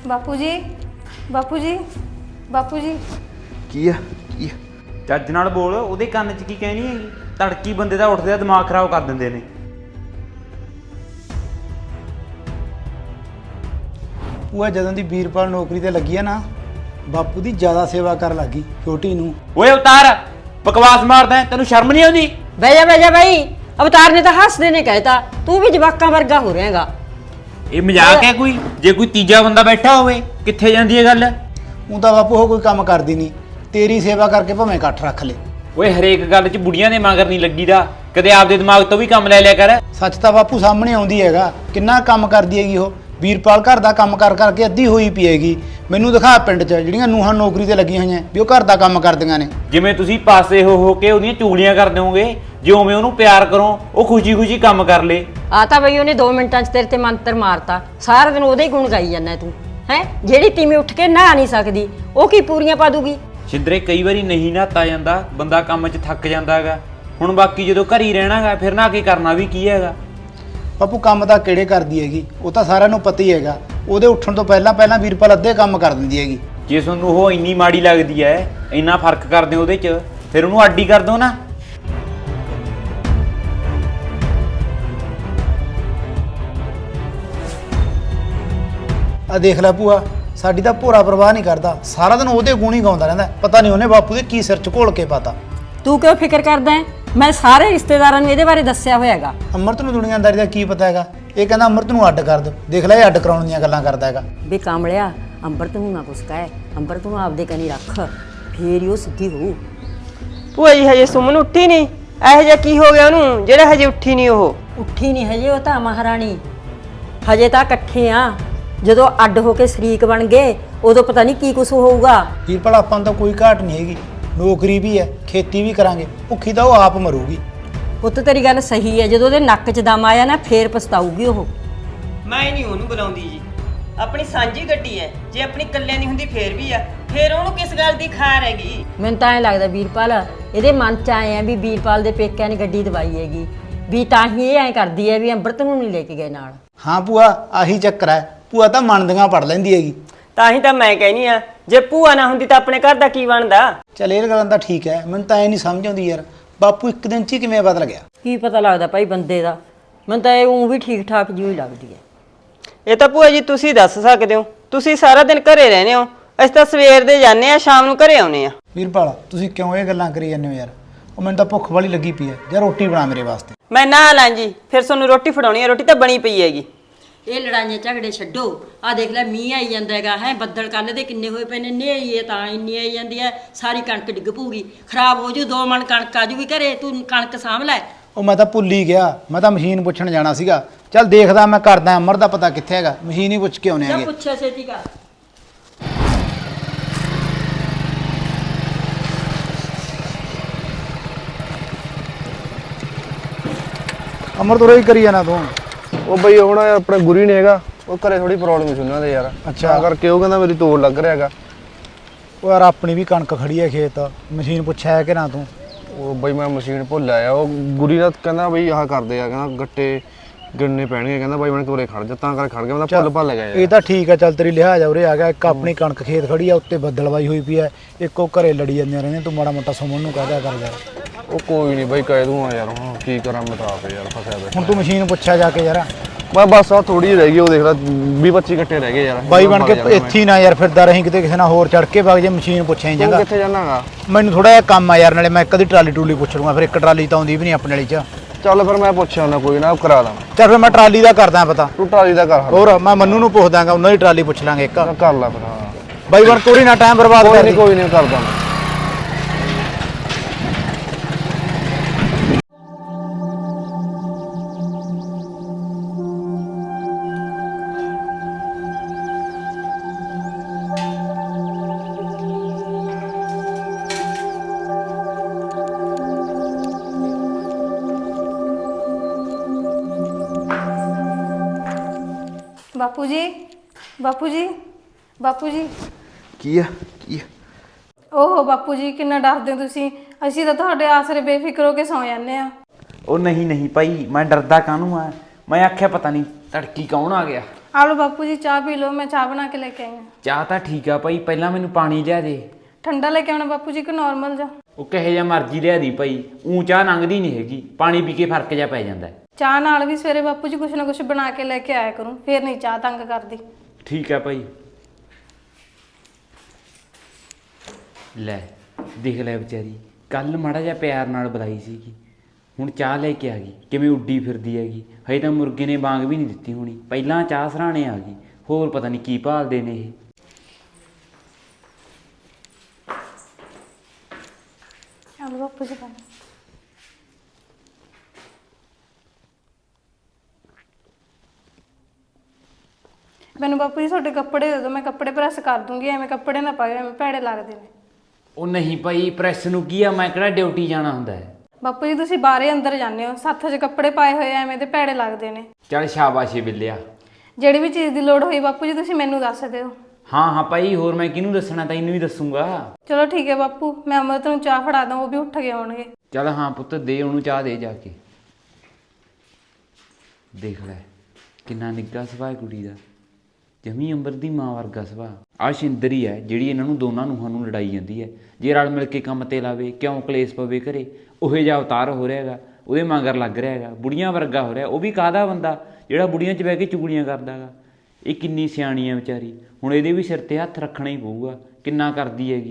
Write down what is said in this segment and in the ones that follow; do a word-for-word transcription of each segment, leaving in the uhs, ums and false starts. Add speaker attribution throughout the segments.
Speaker 1: ਬਾਪੂ ਜੀ ਬਾਪੂ ਜੀ ਬਾਪੂ ਜੀ
Speaker 2: ਕੀ ਆ ਕੀ ਆ
Speaker 3: ਚੱਜ ਨਾਲ ਬੋਲ। ਉਹਦੇ ਕੰਨ 'ਚ ਕੀ ਕਹਿਣੀ ਹੈਗੀ? ਤੜਕੀ ਬੰਦੇ ਦਾ ਉੱਠਦੇ ਆ ਦਿਮਾਗ ਖਰਾਬ ਕਰ ਦਿੰਦੇ ਨੇ।
Speaker 4: ਉਹ ਜਦੋਂ ਦੀ ਵੀਰਪਾਲ ਨੌਕਰੀ ਤੇ ਲੱਗੀ ਆ ਨਾ, ਬਾਪੂ ਦੀ ਜ਼ਿਆਦਾ ਸੇਵਾ ਕਰਨ ਲੱਗੀ ਛੋਟੀ ਨੂੰ।
Speaker 3: ਓਏ ਅਵਤਾਰ, ਬਕਵਾਸ ਮਾਰਦਾ, ਤੈਨੂੰ ਸ਼ਰਮ ਨਹੀਂ ਆਉਂਦੀ?
Speaker 5: ਬਹਿ ਜਾ ਬਹਿ ਜਾ ਬਾਈ। ਅਵਤਾਰ ਨੇ ਤਾਂ ਹੱਸਦੇ ਨੇ ਕਹਿਤਾ, ਤੂੰ ਵੀ ਜਵਾਕਾਂ ਵਰਗਾ ਹੋ ਰਿਹਾਗਾ।
Speaker 3: ਇਹ ਮਜ਼ਾਕ ਹੈ ਕੋਈ? ਜੇ ਕੋਈ ਤੀਜਾ ਬੰਦਾ ਬੈਠਾ ਹੋਵੇ ਕਿੱਥੇ ਜਾਂਦੀ ਹੈ ਗੱਲ?
Speaker 4: ਉਹ ਤਾਂ ਬਾਪੂ ਉਹ ਕੋਈ ਕੰਮ ਕਰਦੀ ਨਹੀਂ, ਤੇਰੀ ਸੇਵਾ ਕਰਕੇ ਭਾਵੇਂ ਇਕੱਠ ਰੱਖ ਲੈ।
Speaker 3: ਓਏ ਹਰੇਕ ਗੱਲ 'ਚ ਬੁੜੀਆਂ ਦੇ ਮਗਰ ਨਹੀਂ ਲੱਗੀਦਾ, ਕਦੇ ਆਪਦੇ ਦਿਮਾਗ ਤੋਂ ਵੀ ਕੰਮ ਲੈ ਲਿਆ ਕਰ।
Speaker 4: ਸੱਚ ਤਾਂ ਬਾਪੂ ਸਾਹਮਣੇ ਆਉਂਦੀ ਹੈਗਾ, ਕਿੰਨਾ ਕੰਮ ਕਰਦੀ ਹੈਗੀ ਉਹ। ਵੀਰਪਾਲ ਘਰ ਦਾ ਕੰਮ ਕਰ ਕਰਕੇ ਅੱਧੀ ਹੋਈ ਪਈ ਹੈਗੀ। ਮੈਨੂੰ ਦਿਖਾ ਪਿੰਡ 'ਚ ਜਿਹੜੀਆਂ ਨੂੰਹਾਂ ਨੌਕਰੀ ਤੇ ਲੱਗੀਆਂ ਹੋਈਆਂ ਵੀ ਉਹ ਘਰ ਦਾ ਕੰਮ ਕਰਦੀਆਂ ਨੇ।
Speaker 3: ਜਿਵੇਂ ਤੁਸੀਂ ਪਾਸੇ ਹੋ ਹੋ ਕੇ ਉਹਦੀਆਂ ਚੁਗਲੀਆਂ ਕਰ ਦਿਓਗੇ, ਜਿਵੇਂ ਉਹਨੂੰ ਪਿਆਰ ਕਰੋ ਉਹ ਖੁਸ਼ੀ ਖੁਸ਼ੀ ਕੰਮ ਕਰ ਲੇ।
Speaker 5: ਆ ਤਾਂ ਬਈ ਉਹਨੇ ਦੋ ਮਿੰਟਾਂ 'ਚ ਤੇਰੇ ਤੇ ਮੰਤਰ ਮਾਰਤਾ, ਸਾਰਾ ਦਿਨ ਉਹਦੇ ਹੀ ਗੁਣ ਗਾਈ ਜਾਂਦਾ ਤੂੰ ਹੈ। ਜਿਹੜੀ ਤੀਵੀਂ ਉੱਠ ਕੇ ਨਹਾ ਨਹੀਂ ਸਕਦੀ ਉਹ ਕੀ ਪੂਰੀਆਂ ਪਾ ਦੂਗੀ?
Speaker 3: ਛਿੰਦਰੇ ਕਈ ਵਾਰੀ ਨਹੀਂ ਨਹਾਤਾ ਜਾਂਦਾ, ਬੰਦਾ ਕੰਮ 'ਚ ਥੱਕ ਜਾਂਦਾ ਹੈਗਾ। ਹੁਣ ਬਾਕੀ ਜਦੋਂ ਘਰ ਹੀ ਰਹਿਣਾਗਾ ਫਿਰ ਨਾ ਕੇ ਕਰਨਾ ਵੀ ਕੀ ਹੈਗਾ?
Speaker 4: ਬਾਪੂ ਕੰਮ ਤਾਂ ਕਿਹੜੇ ਕਰਦੀ ਹੈਗੀ, ਉਹ ਤਾਂ ਸਾਰਿਆਂ ਨੂੰ ਪਤਾ ਹੀ ਹੈਗਾ। ਉਹਦੇ ਉੱਠਣ ਤੋਂ ਪਹਿਲਾਂ ਪਹਿਲਾਂ ਵੀਰਪਾਲ ਅੱਧੇ ਕੰਮ ਕਰ ਦਿੰਦੀ ਹੈਗੀ।
Speaker 3: ਜੇ ਤੁਹਾਨੂੰ ਉਹ ਇੰਨੀ ਮਾੜੀ ਲੱਗਦੀ ਹੈ, ਇੰਨਾ ਫਰਕ ਕਰਦੇ ਉਹਦੇ 'ਚ, ਫਿਰ ਉਹਨੂੰ ਅੱਡੀ ਕਰ ਦਿਓ ਨਾ।
Speaker 4: ਆ ਦੇਖ ਲੈ ਭੂਆ, ਸਾਡੀ ਤਾਂ ਭੋਰਾ ਪਰਵਾਹ ਨਹੀਂ ਕਰਦਾ, ਸਾਰਾ ਦਿਨ ਉਹਦੇ ਗੁਣ ਹੀ ਗਾਉਂਦਾ ਰਹਿੰਦਾ। ਪਤਾ ਨਹੀਂ ਉਹਨੇ ਬਾਪੂ ਦੇ ਕੀ ਸਿਰ 'ਚ ਘੋਲ ਕੇ ਪਾਤਾ।
Speaker 5: ਤੂੰ ਕਿਉਂ ਫਿਕਰ ਕਰਦਾ ਹੈ? ਮੈਂ ਸਾਰੇ ਰਿਸ਼ਤੇਦਾਰਾਂ ਨੂੰ ਇਹਦੇ ਬਾਰੇ ਦੱਸਿਆ ਹੋਇਆ ਹੈਗਾ।
Speaker 4: ਅੰਮ੍ਰਿਤ ਨੂੰ ਦੁਨੀਆਦਾਰੀ ਦਾ ਕੀ ਪਤਾ ਹੈਗਾ? ਇਹ ਕਹਿੰਦਾ ਅੰਮ੍ਰਿਤ ਨੂੰ ਅੱਡ ਕਰ ਦਿਓ। ਦੇਖ ਲੈ ਇਹ ਅੱਡ ਕਰਾਉਣ ਦੀਆਂ ਗੱਲਾਂ ਕਰਦਾ ਹੈਗਾ।
Speaker 5: ਬੇ ਕਾਮਲਿਆ, ਅੰਮ੍ਰਿਤ ਨੂੰ ਨਾ ਕੁਛ ਕਹਿ, ਅੰਮ੍ਰਿਤ ਨੂੰ ਆਪਦੇ ਕਨੀ ਰੱਖ, ਫੇਰ ਹੀ ਉਹ ਸਿੱਧੀ ਹੋਊ।
Speaker 6: ਭੂਆ ਜੀ ਹਜੇ ਸੁਮਨ ਉੱਠੀ ਨਹੀਂ? ਇਹੋ ਜਿਹਾ ਕੀ ਹੋ ਗਿਆ ਉਹਨੂੰ ਜਿਹੜਾ ਹਜੇ ਉੱਠੀ ਨਹੀਂ? ਉਹ
Speaker 5: ਉੱਠੀ ਨਹੀਂ ਹਜੇ, ਉਹ ਤਾਂ ਮਹਾਰਾਣੀ। ਹਜੇ ਤਾਂ ਇਕੱਠੇ ਆ, ਜਦੋਂ ਅੱਡ ਹੋ ਕੇ ਸ਼ਰੀਕ ਬਣ ਗਏ ਉਦੋਂ ਪਤਾ ਨਹੀਂ ਕੀ ਕੁਛ ਹੋਊਗਾ।
Speaker 4: ਵੀਰਪਾਲ ਆਪਾਂ ਨੂੰ ਤਾਂ ਕੋਈ ਘਾਟ ਨਹੀਂ ਹੈਗੀ, ਨੌਕਰੀ ਵੀ ਹੈ, ਖੇਤੀ ਵੀ ਕਰਾਂਗੇ, ਭੁੱਖੀ ਤਾਂ ਉਹ ਆਪ ਮਰੂਗੀ।
Speaker 5: ਪੁੱਤ ਤੇਰੀ ਗੱਲ ਸਹੀ ਹੈ, ਜਦੋਂ ਉਹਦੇ ਨੱਕ 'ਚ ਦਮ ਆਇਆ ਨਾ ਫੇਰ ਪਛਤਾਊਗੀ ਉਹ।
Speaker 6: ਮੈਂ ਨਹੀਂ ਉਹਨੂੰ ਬੁਲਾਉਂਦੀ ਜੀ, ਆਪਣੀ ਸਾਂਝੀ ਗੱਡੀ ਹੈ, ਜੇ ਆਪਣੀ ਇਕੱਲਿਆਂ ਦੀ ਹੁੰਦੀ ਫੇਰ ਵੀ ਆ, ਫੇਰ ਉਹਨੂੰ ਕਿਸ ਗੱਲ ਦੀ ਖਾਰ ਹੈਗੀ?
Speaker 5: ਮੈਨੂੰ ਤਾਂ ਐਂ ਲੱਗਦਾ ਵੀਰਪਾਲ ਇਹਦੇ ਮਨ 'ਚ ਆਏ ਆ ਵੀ ਵੀਰਪਾਲ ਦੇ ਪੇਕਿਆਂ ਨੇ ਗੱਡੀ ਦਵਾਈ ਹੈਗੀ, ਵੀ ਤਾਂ ਹੀ ਇਹ ਐਂ ਕਰਦੀ ਹੈ ਵੀ ਅੰਮ੍ਰਿਤ ਨੂੰ ਨਹੀਂ ਲੈ ਕੇ ਗਏ ਨਾਲ।
Speaker 4: ਹਾਂ ਭੂਆ, ਆਹੀ ਚੱਕਰ ਹੈ। ਭੂਆ ਤਾਂ ਮੰਨਦੀਆਂ ਪੜ ਲੈਂਦੀ ਹੈਗੀ।
Speaker 6: ਤਾਂ ਹੀ ਤਾਂ ਮੈਂ ਕਹਿਨੀ ਆ, ਜੇ ਭੂਆ ਨਾ ਹੁੰਦੀ ਤਾਂ ਆਪਣੇ ਘਰ ਦਾ ਕੀ ਬਣਦਾ?
Speaker 4: ਚੱਲ ਇਹ ਗੱਲਾਂ ਤਾਂ ਠੀਕ ਹੈ, ਮੈਨੂੰ ਤਾਂ ਇਹ ਨਹੀਂ ਸਮਝ ਆਉਂਦੀ ਯਾਰ, ਬਾਪੂ ਇੱਕ ਦਿਨ 'ਚ ਹੀ ਕਿਵੇਂ ਬਦਲ ਗਿਆ?
Speaker 5: ਕੀ ਪਤਾ ਲੱਗਦਾ ਭਾਈ ਬੰਦੇ ਦਾ, ਮੈਨੂੰ ਤਾਂ ਇਹ ਉਂ ਵੀ ਠੀਕ ਠਾਕ ਜਿਹੀ ਲੱਗਦੀ ਹੈ।
Speaker 6: ਇਹ ਤਾਂ ਭੂਆ ਜੀ ਤੁਸੀਂ ਦੱਸ ਸਕਦੇ ਹੋ, ਤੁਸੀਂ ਸਾਰਾ ਦਿਨ ਘਰੇ ਰਹਿੰਦੇ ਹੋ, ਅਸੀਂ ਤਾਂ ਸਵੇਰ ਦੇ ਜਾਂਦੇ ਆ, ਸ਼ਾਮ ਨੂੰ ਘਰੇ ਆਉਨੇ ਆ।
Speaker 4: ਵੀਰਪਾਲ ਤੁਸੀਂ ਕਿਉਂ ਇਹ ਗੱਲਾਂ ਕਰੀ ਜਾਂਦੇ ਹੋ ਯਾਰ? ਉਹ ਮੈਨੂੰ ਤਾਂ ਭੁੱਖ ਵਾਲੀ ਲੱਗੀ ਪਈ ਹੈ, ਜਾਂ ਰੋਟੀ ਬਣਾ ਮੇਰੇ ਵਾਸਤੇ।
Speaker 6: ਮੈਂ ਨਾ ਲਾਂ ਜੀ, ਫਿਰ ਤੁਹਾਨੂੰ ਰੋਟੀ ਫੜਾਉਣੀ ਹੈ, ਰੋਟੀ ਤਾਂ ਬਣੀ ਪਈ ਹੈਗੀ।
Speaker 5: ਇਹ ਲੜਾਈਆਂ ਝਗੜੇ ਛੱਡੋ, ਆਹ ਦੇਖ ਲੈ ਮੀਂਹ ਆਈ ਜਾਂਦਾ ਹੈਗਾ ਹੈ, ਬੱਦਲ ਕੱਲ ਦੇ ਕਿੰਨੇ ਹੋਏ ਪਏ ਨੇ, ਨੇਰੀ ਹੈ ਤਾਂ ਇੰਨੀ ਆਈ ਜਾਂਦੀ ਹੈ, ਸਾਰੀ ਕਣਕ ਡਿੱਗ ਪਊਗੀ, ਖਰਾਬ ਹੋ ਜੂ, ਦੋ ਮਣ ਕਣਕ ਆ ਜੂਗੀ ਘਰੇ, ਤੂੰ ਕਣਕ ਸਾਂਭ ਲੈ।
Speaker 4: ਉਹ ਮੈਂ ਤਾਂ ਭੁੱਲ ਹੀ ਗਿਆ, ਮੈਂ ਤਾਂ ਮਸ਼ੀਨ ਪੁੱਛਣ ਜਾਣਾ ਸੀਗਾ। ਚੱਲ ਦੇਖਦਾ ਮੈਂ ਕਰਦਾ, ਅਮਰ ਦਾ ਪਤਾ ਕਿੱਥੇ ਹੈਗਾ, ਮਸ਼ੀਨ ਹੀ ਪੁੱਛ ਕੇ ਆਉਣੇ
Speaker 5: ਜਾ
Speaker 4: ਹੈਗੇ।
Speaker 5: ਪੁੱਛਿਆ ਛੇਤੀ ਕਰ।
Speaker 4: ਅਮਰ ਤੋਂ ਹੀ ਕਰੀ ਜਾਣਾ ਤੂੰ।
Speaker 2: ਉਹ ਬਈ ਉਹ ਨਾ ਆਪਣਾ ਗੁਰੀ ਨਹੀਂ ਹੈਗਾ, ਉਹ ਘਰੇ ਥੋੜੀ ਪ੍ਰੋਬਲਮ ਸੀ ਉਹਨਾਂ ਦੇ ਯਾਰ। ਅੱਛਾ ਕਰਕੇ ਉਹ ਕਹਿੰਦਾ ਮੇਰੀ ਤੋੜ ਲੱਗ ਰਿਹਾ ਹੈਗਾ।
Speaker 4: ਉਹ ਯਾਰ ਆਪਣੀ ਵੀ ਕਣਕ ਖੜੀ ਹੈ ਖੇਤ, ਮਸ਼ੀਨ ਪੁੱਛਿਆ ਹੈ ਕਿ ਨਾ ਤੂੰ?
Speaker 2: ਉਹ ਬਈ ਮੈਂ ਮਸ਼ੀਨ ਭੁੱਲ ਆਇਆ। ਉਹ ਗੁਰੀ ਦਾ ਕਹਿੰਦਾ ਬਈ ਆਹ ਕਰਦੇ ਆ, ਕਹਿੰਦਾ ਗੱਟੇ ਗਿਣਨੇ ਪੈਣਗੇ, ਕਹਿੰਦਾ ਬਾਈ ਮੈਂ ਕੋਲੇ ਖੜ ਜਾ, ਤਾਂ ਕਰ ਖੜ ਗਿਆ। ਮੈਂ ਤਾਂ ਭੁੱਲ ਭੱਲ ਗਿਆ ਯਾਰ।
Speaker 4: ਇਹ ਤਾਂ ਠੀਕ ਹੈ, ਚੱਲ ਤੇਰੀ ਲਿਹਾਜ਼ ਉਰੇ ਆ ਗਿਆ। ਇੱਕ ਆਪਣੀ ਕਣਕ ਖੇਤ ਖੜੀ ਆ, ਉੱਤੇ ਬੱਦਲਵਾਈ ਹੋਈ ਪਈ ਹੈ, ਇੱਕ ਉਹ ਘਰੇ ਲੜੀ ਜਾਂਦੇ ਰਹਿੰਦੇ। ਤੂੰ ਮਾੜਾ ਮੋਟਾ ਸੁਮਨ ਨੂੰ ਕਹਿ ਦਿਆ ਕਰ ਯਾਰ।
Speaker 2: ਉਹ ਕੋਈ ਨਹੀਂ ਬਈ ਕਹਿ ਦੂੰਗਾ ਯਾਰ, ਹੁਣ ਕੀ ਕਰਾਂ ਮੈਂ ਤਾਂ ਆਪੇ ਯਾਰ ਫਸਿਆ ਬੈਠਾ।
Speaker 4: ਹੁਣ ਤੂੰ ਮਸ਼ੀਨ ਪੁੱਛਿਆ ਜਾ ਕੇ ਯਾਰ।
Speaker 2: ਮੈਂ ਬਸ ਆ ਥੋੜੀ ਜਿਹੀ ਰਹਿ ਗਈ, ਉਹ ਦੇਖ ਲੈ ਵੀਹ ਪੱਚੀ ਗੱਟੇ ਰਹਿ ਗਏ ਯਾਰ।
Speaker 4: ਬਾਈ ਬਣ ਕੇ ਇੱਥੇ ਹੀ ਨਾ ਯਾਰ ਫਿਰਦਾ ਰਹੀਂ, ਕਿਤੇ ਕਿਸੇ ਨਾਲ ਹੋਰ ਚੜ ਕੇ ਵਗ ਜੇ, ਮਸ਼ੀਨ ਪੁੱਛਿਆ
Speaker 2: ਤੂੰ
Speaker 4: ਜਾਂਗਾ।
Speaker 2: ਕਿੱਥੇ ਜਾਣਾਗਾ?
Speaker 4: ਮੈਨੂੰ ਥੋੜਾ ਜਿਹਾ ਕੰਮ ਆ ਯਾਰ, ਨਾਲੇ ਮੈਂ ਕਦੀ ਟਰਾਲੀ ਟਰੂਲੀ ਪੁੱਛ ਲੂੰਗਾ, ਫਿਰ ਇੱਕ ਟਰਾਲੀ ਤਾਂ ਆਉਂਦੀ ਵੀ ਨਹੀਂ ਆਪਣੇ ਵਾਲੀ ਚ।
Speaker 2: ਚੱਲ ਫਿਰ ਮੈਂ ਪੁੱਛਿਆ ਉਹਨਾਂ ਕੋਈ ਨਾ, ਕਰਾ ਦਾਂ।
Speaker 4: ਚੱਲ ਫਿਰ ਮੈਂ ਟਰਾਲੀ ਦਾ ਕਰਦਾ ਪਤਾ।
Speaker 2: ਤੂੰ ਟਰਾਲੀ ਦਾ ਕਰ।
Speaker 4: ਹੋਰ ਮੈਂ ਮੰਨੂ ਨੂੰ ਪੁੱਛ ਦਾਂਗਾ, ਉਹਨਾਂ ਦੀ ਟਰਾਲੀ ਪੁੱਛ ਲਾਂਗੇ ਇੱਕ।
Speaker 2: ਕਰ ਲੈ ਫਿਰ। ਹਾਂ
Speaker 4: ਬਾਈ ਬਣ ਕੋਰੀ ਨਾ ਟਾਈਮ ਬਰਬਾਦ
Speaker 2: ਕੋਈ
Speaker 4: ਕਰ
Speaker 2: ਨਹੀਂ ਕੋਈ ਨਹੀਂ ਕਰਦਾ ਮੈਂ।
Speaker 1: ਬਾਪੂ ਜੀ ਬਾਪੂ ਜੀ ਬਾਪੂ ਜੀ
Speaker 2: ਕੀ ਆ ਕੀ ਆ?
Speaker 1: ਓਹੋ ਬਾਪੂ ਜੀ ਕਿੰਨਾ ਡਰਦੇ ਹੋ ਤੁਸੀਂ, ਅਸੀਂ ਤਾਂ ਤੁਹਾਡੇ ਆਸਰੇ ਬੇਫਿਕਰ ਹੋ ਕੇ ਸੌਂ ਜਾਂਦੇ ਆ।
Speaker 3: ਉਹ ਨਹੀਂ ਨਹੀਂ ਭਾਈ, ਮੈਂ ਡਰਦਾ ਕਾਹਨੂੰ ਆ? ਮੈਂ ਆਖਿਆ ਪਤਾ ਨਹੀਂ ਤੜਕੀ ਕੌਣ ਆ ਗਿਆ।
Speaker 1: ਆ ਲਓ ਬਾਪੂ ਜੀ ਚਾਹ ਪੀ ਲਓ, ਮੈਂ ਚਾਹ ਬਣਾ ਕੇ ਲੈ ਕੇ ਆਈ ਹਾਂ।
Speaker 3: ਚਾਹ ਤਾਂ ਠੀਕ ਆ ਭਾਈ, ਪਹਿਲਾਂ ਮੈਨੂੰ ਪਾਣੀ ਲਿਆ ਦੇ।
Speaker 1: ਠੰਡਾ ਲੈ ਕੇ ਆਉਣਾ ਬਾਪੂ ਜੀ ਕਿ ਨਾਰਮਲ ਜਾ?
Speaker 3: ਉਹ ਕਹੇ ਜਾਂ ਮਰਜ਼ੀ ਲਿਆ ਦੀ ਭਾਈ, ਊਂ ਚਾਹ ਲੰਘਦੀ ਨਹੀਂ ਹੈਗੀ, ਪਾਣੀ ਪੀ ਕੇ ਫਰਕ ਜਾ ਪੈ ਜਾਂਦਾ।
Speaker 1: ਚਾਹ ਨਾਲ ਵੀ ਸਵੇਰੇ ਬਾਪੂ ਜੀ ਕੁਛ ਨਾ ਕੁਛ ਬਣਾ ਕੇ ਲੈ ਕੇ ਆਇਆ ਕਰੂੰ, ਫੇਰ ਨਹੀਂ ਚਾਹ ਤੰਗ ਕਰਦੀ।
Speaker 3: ਠੀਕ ਆ ਭਾਈ। ਲੈ ਦੇਖ ਲੈ ਵਿਚਾਰੀ, ਕੱਲ ਮਾੜਾ ਜਿਹਾ ਪਿਆਰ ਨਾਲ ਬੁਲਾਈ ਸੀਗੀ, ਹੁਣ ਚਾਹ ਲੈ ਕੇ ਆ ਗਈ, ਕਿਵੇਂ ਉੱਡੀ ਫਿਰਦੀ ਹੈਗੀ। ਹਜੇ ਤਾਂ ਮੁਰਗੇ ਨੇ ਵਾਂਗ ਵੀ ਨਹੀਂ ਦਿੱਤੀ ਹੋਣੀ, ਪਹਿਲਾਂ ਚਾਹ ਸਰਾਣੇ ਆ ਗਈ। ਹੋਰ ਪਤਾ ਨਹੀਂ ਕੀ ਭਾਲਦੇ ਨੇ ਇਹ।
Speaker 1: ਚਲੋ ਬਾਪੂ ਜੀ ਪਾਣੀ। ਮੈਨੂੰ ਬਾਪੂ ਜੀ ਤੁਹਾਡੇ ਕੱਪੜੇ ਦੇ ਦਿਓ, ਮੈਂ ਕੱਪੜੇ ਪ੍ਰੈਸ ਕਰ ਦੂੰਗੀ, ਐਵੇਂ ਕੱਪੜੇ ਨਾ ਪਾਇਓ, ਐਵੇਂ ਭੈੜੇ ਲੱਗਦੇ ਨੇ।
Speaker 3: ਉਹ ਨਹੀਂ ਭਾਈ, ਪ੍ਰੈਸ ਨੂੰ ਕੀ ਆ, ਮੈਂ ਕਿਹੜਾ ਡਿਊਟੀ ਜਾਣਾ ਹੁੰਦਾ ਹੈ।
Speaker 1: ਬਾਪੂ ਜੀ ਤੁਸੀਂ ਬਾਹਰੇ ਅੰਦਰ ਜਾਂਦੇ ਹੋ, ਸੱਥ 'ਚ ਕੱਪੜੇ ਪਾਏ ਹੋਏ ਐਵੇਂ ਤੇ ਭੈੜੇ ਲੱਗਦੇ ਨੇ।
Speaker 3: ਚੱਲ ਸ਼ਾਬਾਸ਼ੇ ਬਿੱਲਿਆ।
Speaker 1: ਜਿਹੜੀ ਵੀ ਚੀਜ਼ ਦੀ ਲੋੜ ਹੋਈ ਬਾਪੂ ਜੀ ਤੁਸੀਂ ਮੈਨੂੰ ਦੱਸ ਦਿਓ।
Speaker 3: ਹਾਂ ਹਾਂ ਭਾਈ, ਹੋਰ ਮੈਂ ਕਿਹਨੂੰ ਦੱਸਣਾ, ਤੈਨੂੰ ਹੀ ਦੱਸੂਗਾ।
Speaker 1: ਚਲੋ ਠੀਕ ਹੈ ਬਾਪੂ, ਮੈਂ ਅਮਰਤ ਨੂੰ ਚਾਹ ਫੜਾ ਦਾਂ, ਉਹ ਵੀ ਉੱਠ ਕੇ ਆਉਣਗੇ।
Speaker 3: ਚੱਲ ਹਾਂ ਪੁੱਤ, ਦੇ ਉਹਨੂੰ ਚਾਹ ਦੇ ਜਾ ਕੇ। ਦੇਖ ਲੈ ਕਿੰਨਾ ਨਿੱਘਾ ਸੁਭਾਅ ਕੁੜੀ ਦਾ, ਜਮੀ ਅੰਬਰ ਦੀ ਮਾਂ ਵਰਗਾ ਸੁਭਾਅ। ਆਹ ਸ਼ਿੰਦਰ ਹੀ ਹੈ ਜਿਹੜੀ ਇਹਨਾਂ ਨੂੰ ਦੋਨਾਂ ਨੂੰਹਾਂ ਨੂੰ ਲੜਾਈ ਜਾਂਦੀ ਹੈ। ਜੇ ਰਲ ਮਿਲ ਕੇ ਕੰਮ ਤੇ ਲਾਵੇ, ਕਿਉਂ ਕਲੇਸ਼ ਪਵੇ ਘਰੇ। ਉਹੇ ਜਿਹਾ ਅਵਤਾਰ ਹੋ ਰਿਹਾ ਹੈਗਾ, ਉਹਦੇ ਮਗਰ ਲੱਗ ਰਿਹਾ ਹੈਗਾ, ਬੁੜੀਆਂ ਵਰਗਾ ਹੋ ਰਿਹਾ। ਉਹ ਵੀ ਕਾਹਦਾ ਬੰਦਾ ਜਿਹੜਾ ਬੁੜੀਆਂ 'ਚ ਬਹਿ ਕੇ ਚੁਗਲੀਆਂ ਕਰਦਾ ਹੈਗਾ। ਇਹ ਕਿੰਨੀ ਸਿਆਣੀ ਹੈ ਵਿਚਾਰੀ, ਹੁਣ ਇਹਦੇ ਵੀ ਸਿਰ 'ਤੇ ਹੱਥ ਰੱਖਣਾ ਹੀ ਪਊਗਾ, ਕਿੰਨਾ ਕਰਦੀ ਹੈਗੀ।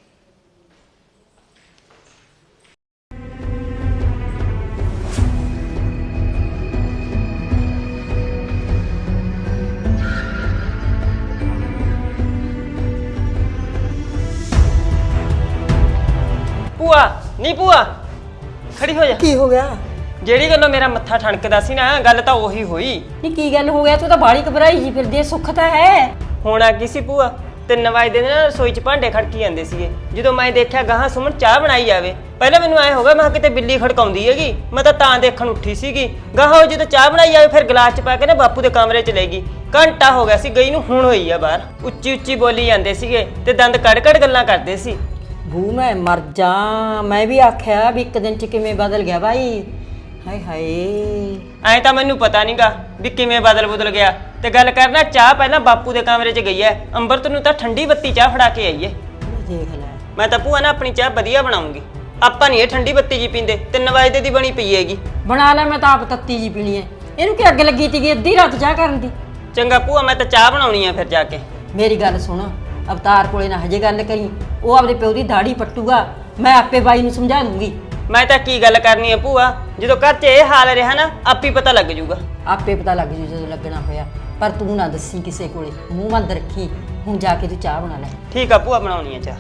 Speaker 6: ਭੂਆ ਨਹੀਂ ਭੂਆ, ਖੜੀ ਹੋ ਜਾ।
Speaker 5: ਕੀ ਹੋ ਗਿਆ?
Speaker 6: ਜਿਹੜੀ ਗੱਲੋਂ ਮੇਰਾ ਮੱਥਾ ਠਣਕਦਾ ਸੀ ਨਾ, ਗੱਲ ਤਾਂ ਉਹੀ ਹੋਈ।
Speaker 5: ਨਹੀਂ ਕੀ ਗੱਲ ਹੋ ਗਿਆ? ਤੂੰ ਤਾਂ ਬਾੜੀ ਘਬਰਾਈ ਜੀ ਫਿਰਦੀ ਐ, ਸੁੱਖ ਤਾਂ ਹੈ।
Speaker 6: ਹੋਣਾ ਕੀ ਸੀ ਭੂਆ, ਤਿੰਨ ਵਜੇ ਦੇ ਨਾ ਰਸੋਈ 'ਚ ਭਾਂਡੇ ਖੜਕੀ ਜਾਂਦੇ ਸੀਗੇ। ਜਦੋਂ ਮੈਂ ਦੇਖਿਆ ਗਾਹਾਂ ਸੁਮਨ ਚਾਹ ਬਣਾਈ ਜਾਵੇ, ਪਹਿਲਾਂ ਮੈਨੂੰ ਐ ਹੋ ਗਿਆ ਮੈਂ ਕਿਹਾ ਕਿਤੇ ਬਿੱਲੀ ਖੜਕਾਉਂਦੀ ਹੈਗੀ, ਮੈਂ ਤਾਂ ਤਾਂ ਦੇਖਣ ਉੱਠੀ ਸੀਗੀ। ਗਾਹਾਂ ਜਦੋਂ ਚਾਹ ਬਣਾਈ ਜਾਵੇ ਫਿਰ ਗਲਾਸ 'ਚ ਪਾ ਕੇ ਨਾ ਬਾਪੂ ਦੇ ਕਮਰੇ 'ਚ ਲੈ ਗਈ। ਘੰਟਾ ਹੋ ਗਿਆ ਸੀ ਗਈ ਨੂੰ, ਹੁਣ ਹੋਈ ਆ ਬਾਹਰ। ਉੱਚੀ ਉੱਚੀ ਬੋਲੀ ਜਾਂਦੇ ਸੀਗੇ ਤੇ ਦੰਦ ਕੱਢ ਕੱਢ ਗੱਲਾਂ ਕਰਦੇ ਸੀ।
Speaker 5: ਭੂ ਮੈਂ ਮਰ ਜਾ, ਮੈਂ ਵੀ ਆਖਿਆ ਵੀ ਇੱਕ ਦਿਨ 'ਚ ਕਿਵੇਂ ਬਦਲ ਗਿਆ ਭਾਈ। ਹਾਏ ਹਾਏ,
Speaker 6: ਐਂ ਤਾਂ ਮੈਨੂੰ ਪਤਾ ਨਹੀਂਗਾ ਵੀ ਕਿਵੇਂ ਬਦਲ ਬਦਲ ਗਿਆ। ਤੇ ਗੱਲ ਕਰਨਾ ਚਾਹ ਪਹਿਲਾਂ ਬਾਪੂ ਦੇ ਕਮਰੇ 'ਚ ਗਈ ਐ, ਅੰਬਰਤ ਨੂੰ ਤਾਂ ਠੰਡੀ ਬੱਤੀ ਚਾਹ ਫੜਾ ਕੇ ਆਈ ਐ।
Speaker 5: ਦੇਖ ਲੈ,
Speaker 6: ਮੈਂ ਤਾਂ ਭੂਆ ਨਾ ਆਪਣੀ ਚਾਹ ਵਧੀਆ ਬਣਾਉਂਗੀ, ਆਪਾਂ ਨਹੀਂ ਇਹ ਠੰਡੀ ਬੱਤੀ ਜੀ ਪੀਂਦੇ। ਤਿੰਨ ਵਜੇ ਦੀ ਬਣੀ ਪਈ ਹੈਗੀ।
Speaker 5: ਬਣਾ ਲੈ, ਮੈਂ ਤਾਂ ਆਪ ਤੱਤੀ ਜੀ ਪੀਣੀ ਐ। ਇਹਨੂੰ ਕੀ ਅੱਗ ਲੱਗੀ ਤੀਗੀ ਅੱਧੀ ਰਾਤ ਚਾਹ ਕਰਨ ਦੀ?
Speaker 6: ਚੰਗਾ ਭੂਆ, ਮੈਂ ਤਾਂ ਚਾਹ ਬਣਾਉਣੀ ਆ ਫਿਰ ਜਾ ਕੇ।
Speaker 5: ਮੇਰੀ ਗੱਲ ਸੁਣ, ਅਵਤਾਰ ਕੋਲੇ ਨਾ ਹਜੇ ਗੱਲ ਕਰੀ, ਉਹ ਆਪਦੇ ਪਿਓ ਦੀ ਦਾੜੀ ਪੱਟੂਗਾ, ਮੈਂ ਆਪੇ ਬਾਈ ਨੂੰ ਸਮਝਾ ਦੂੰਗੀ।
Speaker 6: ਮੈਂ ਤਾਂ ਕੀ ਗੱਲ ਕਰਨੀ ਆ ਭੂਆ, ਜਦੋਂ ਘਰ 'ਚ ਇਹ ਹਾਲ ਰਿਹਾ ਨਾ ਆਪੇ ਪਤਾ ਲੱਗ ਜੂਗਾ।
Speaker 5: ਆਪੇ ਪਤਾ ਲੱਗ ਜੂ ਜਦੋਂ ਲੱਗਣਾ ਹੋਇਆ, ਪਰ ਤੂੰ ਨਾ ਦੱਸੀ ਕਿਸੇ ਕੋਲੇ, ਮੂੰਹ ਬੰਦ ਰੱਖੀ। ਹੁਣ ਜਾ ਕੇ ਤੂੰ ਚਾਹ ਬਣਾ ਲੈ।
Speaker 6: ਠੀਕ ਆ ਭੂਆ, ਬਣਾਉਣੀ ਆ ਚਾਹ।